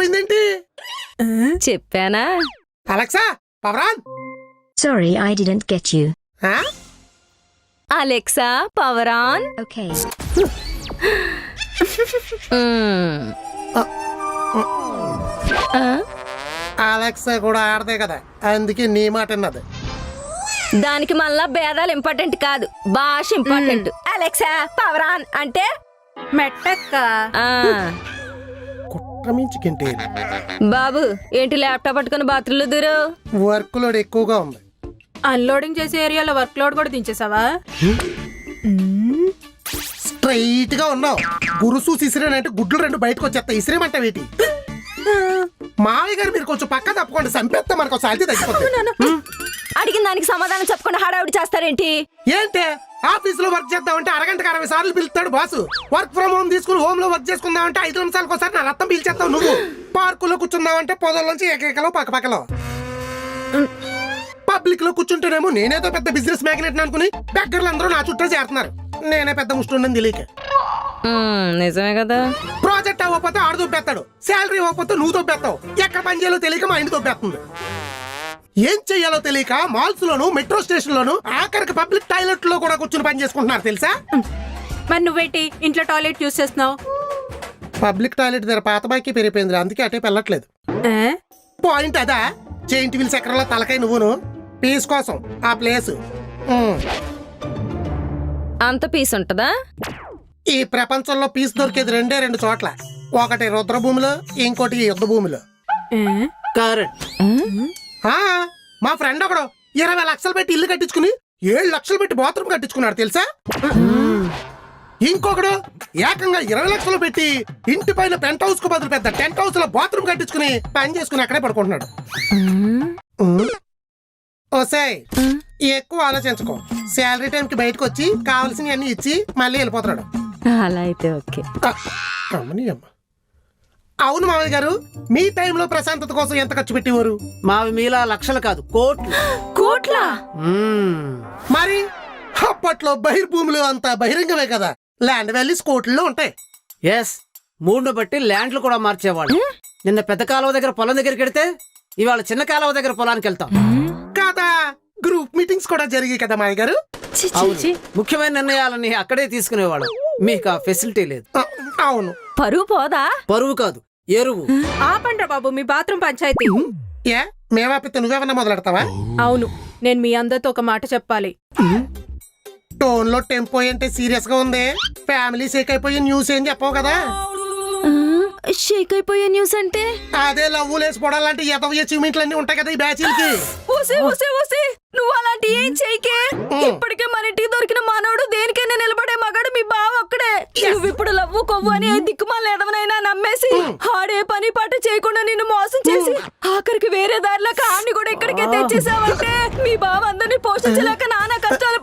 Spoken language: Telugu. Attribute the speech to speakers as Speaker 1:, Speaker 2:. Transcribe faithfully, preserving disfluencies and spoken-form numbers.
Speaker 1: అయిపోయిందేంటి?
Speaker 2: చెప్పానా?
Speaker 1: Alexa, power on.
Speaker 3: Sorry, I didn't get you.
Speaker 1: ఆ?
Speaker 2: Alexa, power on.
Speaker 3: Okay.
Speaker 1: Alexa కూడా ఆడదే కదా, అందుకే నీ మాట అన్నది.
Speaker 2: దానికి మళ్ళా భేదాలు ఇంపార్టెంట్ కాదు, భాష ఇంపార్టెంట్. అలెక్సా, పవర్ ఆన్ అంటే
Speaker 4: మెట్టక్క.
Speaker 1: కుట్రమించుకుంటే
Speaker 2: బాబు ఏంటి ల్యాప్టాప్ పట్టుకుని బాత్రూంలో దూరు?
Speaker 1: వర్క్ లోడ్ ఎక్కువగా ఉంది.
Speaker 4: అన్లోడింగ్ చేసే ఏరియాలో వర్క్ లోడ్ కూడా దించేసావా?
Speaker 1: స్ట్రైట్ గా ఉన్నావు. గురుసు ఇసిరేనంటే గుడ్లు రెండు బయటకు వచ్చేస్తా. ఇసిరేమంట వీటి మావయ్య గారు మీరు కొంచెం పక్క తప్పకుండా సంపేస్తా, మనకు సాధ్యత తగ్గిపోతుంది.
Speaker 2: అడిగిన దానికి సమాధానం చెప్పకుండా హడావుడి చేస్తారేంటి?
Speaker 1: ఏంటే ఆఫీస్ లో వర్క్ చేద్దామంటే అరగంటకు అరవై సార్లు పిలుస్తాడు బాసు. వర్క్ ఫ్రమ్ హోమ్ తీసుకుని హోమ్ లో వర్క్ చేసుకుందామంటే ఐదు నిమిషాలకు ఒకసారి నా రక్తం పీల్చేస్తావు నువ్వు. పార్కులో కూర్చుందామంటే పొదల్లోంచి ఏకైకలో పక్క పక్కలో. పబ్లిక్ లో కూర్చుంటేనేమో నేనేదో పెద్ద బిజినెస్ మ్యాగ్నెట్ అనుకుని దగ్గరలో అందరూ నా చుట్టూ చేరుతున్నారు. నేనే పెద్ద ముష్టి తెలియక.
Speaker 2: నిజమే కదా.
Speaker 1: ప్రాజెక్ట్ అవ్వకపోతే ఆడు దొబ్బేస్తాడు, శాలరీ ఇవ్వకపోతే నువ్వు దొబ్బేస్తావు. ఎక్కడ పని చేయాలో తెలియక మా ఇంటి దొబ్బేస్తుంది. ఏం చెయ్యాలో తెలియక మాల్స్ లోను మెట్రో స్టేషన్ లోను ఆఖరికి పబ్లిక్ టాయిలెట్ లో కూడా కూర్చుని పని చేసుకుంటున్నారు తెలుసా?
Speaker 4: మరి నువ్వేంటి ఇంట్లో టాయిలెట్ యూస్ చేస్తున్నావు?
Speaker 1: పబ్లిక్ టాయిలెట్ దగ్గర పాత బాకి పెరిగిపోయింది, అందుకే అటే వెళ్ళట్లేదు. పాయింట్ అదా? జైంట్ వీల్ చక్రంలో తలకాయ నువ్వును పీస్ కోసం ఆ ప్లేస్.
Speaker 2: అంత పీస్ ఉంటదా?
Speaker 1: ఈ ప్రపంచంలో పీస్ దొరికేది రెండే రెండు చోట్ల, ఒకటి రుద్రభూమిలో, ఇంకోటి యుద్ధ భూమిలో. మా ఫ్రెండ్ ఒకడు ఇరవై లక్షలు పెట్టి ఇల్లు కట్టించుకుని ఏడు లక్షలు పెట్టి బాత్రూమ్ కట్టించుకున్నాడు తెలుసా? ఇంకొకడు ఏకంగా ఇరవై లక్షలు పెట్టి ఇంటి పైన పెంట్ హౌస్ కు బదులు పెద్ద టెంట్ హౌస్ లో బాత్రూమ్ కట్టించుకుని పని చేసుకుని అక్కడే పడుకుంటున్నాడు. ఓసాయ్ ఎక్కువ ఆలోచించుకో, శాలరీ టైం కి బయటకు వచ్చి కావాల్సినవి అన్ని ఇచ్చి మళ్ళీ వెళ్ళిపోతున్నాడు.
Speaker 2: అలా అయితే ఓకే.
Speaker 1: అవును మావయ్య గారు, మీ టైంలో ప్రశాంతత కోసం ఎంత ఖర్చు పెట్టేవారు?
Speaker 5: మావి మీలా లక్షలు కాదు, కోట్లు.
Speaker 2: కోట్లా?
Speaker 1: మరి అప్పట్లో బహిర్భూములు అంతా బహిరంగమే కదా, ల్యాండ్ వాల్యూస్ కోట్లలో ఉంటాయి.
Speaker 5: ఎస్, మూడును బట్టి ల్యాండ్లు కూడా మార్చేవాళ్ళు. నిన్న పెద్ద కాలువ దగ్గర పొలం దగ్గరికి వెళ్తే ఇవాళ చిన్న కాలువ దగ్గర పొలానికి వెళ్తాం
Speaker 1: కదా. గ్రూప్ మీటింగ్స్ కూడా జరిగాయి కదా మావయ్య గారు.
Speaker 5: ముఖ్యమైన నిర్ణయాలని అక్కడే తీసుకునేవాడు. మీకు ఆ ఫెసిలిటీ లేదు.
Speaker 1: అవును.
Speaker 2: పరువు పోదా?
Speaker 5: పరువు కాదు, ఎరువు.
Speaker 4: ఆపండ్రా బాబు మీ బాత్రూమ్ పంచాయతీ.
Speaker 1: ఏ మేవాపితే నువ్వేమన్నా మొదలెడతావా?
Speaker 4: అవును, నేను మీ అందరితో ఒక మాట చెప్పాలి.
Speaker 1: టోన్ లో టెంపో అంటే సీరియస్ గా ఉంది. ఫ్యామిలీ షేక్ అయిపోయి న్యూస్ ఏం చెప్పవు కదా.
Speaker 2: షేక్ అయిపోయే న్యూస్ అంటే
Speaker 1: అదే లవ్ లేసిపోవడాలంటే ఎదవ అచీవ్మెంట్లు అన్ని ఉంటాయి కదా ఈ బ్యాచీలకి.
Speaker 2: నువ్వు అలాంటి ఏం చేయకే. ఇప్పటికే మన ఇంటికి దొరికిన మనోడు దేనికైనా నిలబడే మగాడు మీ బావ ఒక్కడే. నువ్వు ఇప్పుడు లవ్వు కొవ్వు అని దిక్కుమాల ఎదవనైనా నమ్మేసి ఆడే పని పాట చేయకుండా నిన్ను మోసం చేసి ఆఖరికి వేరే దారిలో కాన్ని కూడా ఇక్కడికే తెచ్చేసావంటే మీ బావ అందరినీ పోషించలేక నానా కష్టాలు